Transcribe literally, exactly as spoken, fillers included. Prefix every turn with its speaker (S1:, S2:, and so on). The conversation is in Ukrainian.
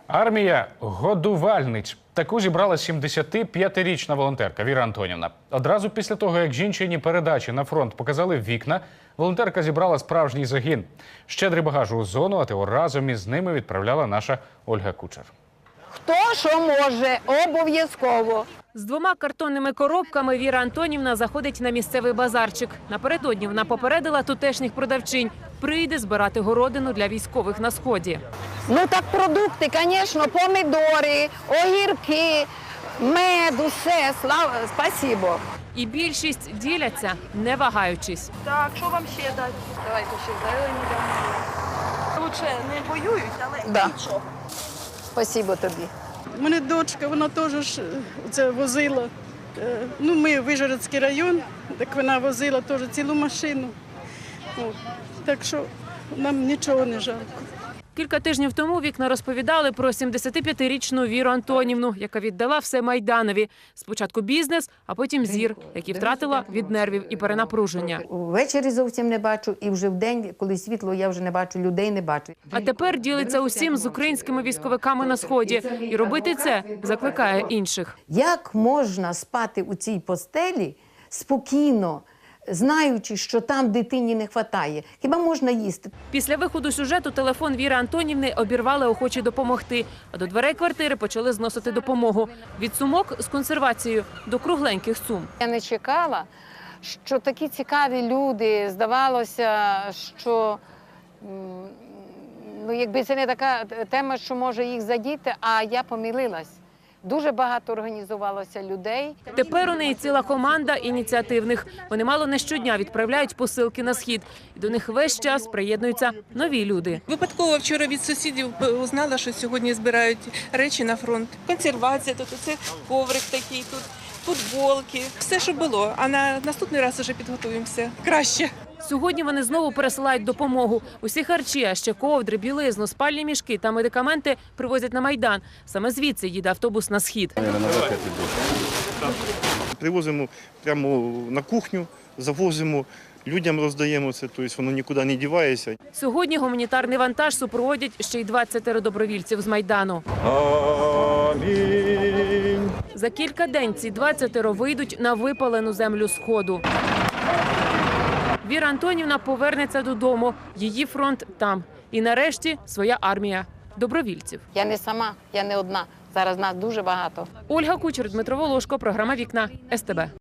S1: Армія годувальниць. Таку зібрала сімдесятип'ятирічна волонтерка Віра Антонівна. Одразу після того, як жінчині передачі на фронт показали вікна, волонтерка зібрала справжній загін. Щедрий багаж у зону, а ТО разом із ними відправляла наша Ольга Кучер.
S2: Хто що може, обов'язково.
S3: З двома картонними коробками Віра Антонівна заходить на місцевий базарчик. Напередодні вона попередила тутешніх продавчинь – прийде збирати городину для військових на Сході.
S2: Ну так продукти, звісно, помідори, огірки, мед, усе, слава, спасибо.
S3: І більшість діляться, не вагаючись.
S4: Так, що вам ще дати? Давайте ще зелені дамо. Лучше не воюють, але
S2: Да.
S4: нічого.
S2: Спасибо тобі.
S5: У мене дочка, вона теж ж це возила. Е, Ну, ми Вижгородський район, так вона возила теж цілу машину. От. Так що нам нічого не жалко.
S3: Кілька тижнів тому вікна розповідали про сімдесятип'ятирічну Віру Антонівну, яка віддала все Майданові. Спочатку бізнес, а потім зір, який втратила від нервів і перенапруження.
S6: Ввечері зовсім не бачу, і вже вдень, коли світло, я вже не бачу, людей не бачу.
S3: А тепер ділиться усім з українськими військовиками на Сході. І робити це закликає інших.
S6: Як можна спати у цій постелі спокійно, знаючи, що там дитині не вистачає? Хіба можна їсти?
S3: Після виходу сюжету телефон Віри Антонівни обірвали охочі допомогти. А до дверей квартири почали зносити допомогу. Від сумок з консервацією до кругленьких сум.
S2: Я не чекала, що такі цікаві люди, здавалося, що м, ну, якби це не така тема, що може їх задіти, а я помилилась. Дуже багато організувалося людей.
S3: Тепер у неї ціла команда ініціативних. Вони мало не щодня відправляють посилки на Схід. І до них весь час приєднуються нові люди.
S7: Випадково вчора від сусідів узнала, що сьогодні збирають речі на фронт. Консервація тут, оце коврик такий тут, футболки. Все, що було. А на наступний раз вже підготуємося краще.
S3: Сьогодні вони знову пересилають допомогу. Усі харчі, а ще ковдри, білизну, спальні мішки та медикаменти привозять на Майдан. Саме звідси їде автобус на Схід.
S8: Привозимо прямо на кухню, завозимо, людям роздаємо це, тобто воно нікуди не дівається.
S3: Сьогодні гуманітарний вантаж супроводять ще й двадцять добровільців з Майдану.
S8: Амінь.
S3: За кілька день ці двадцять вийдуть на випалену землю Сходу. Віра Антонівна повернеться додому. Її фронт там. І нарешті своя армія добровільців.
S2: Я не сама, я не одна. Зараз нас дуже багато.
S3: Ольга Кучер, Дмитро Волошко, програма «Вікна», ес те бе.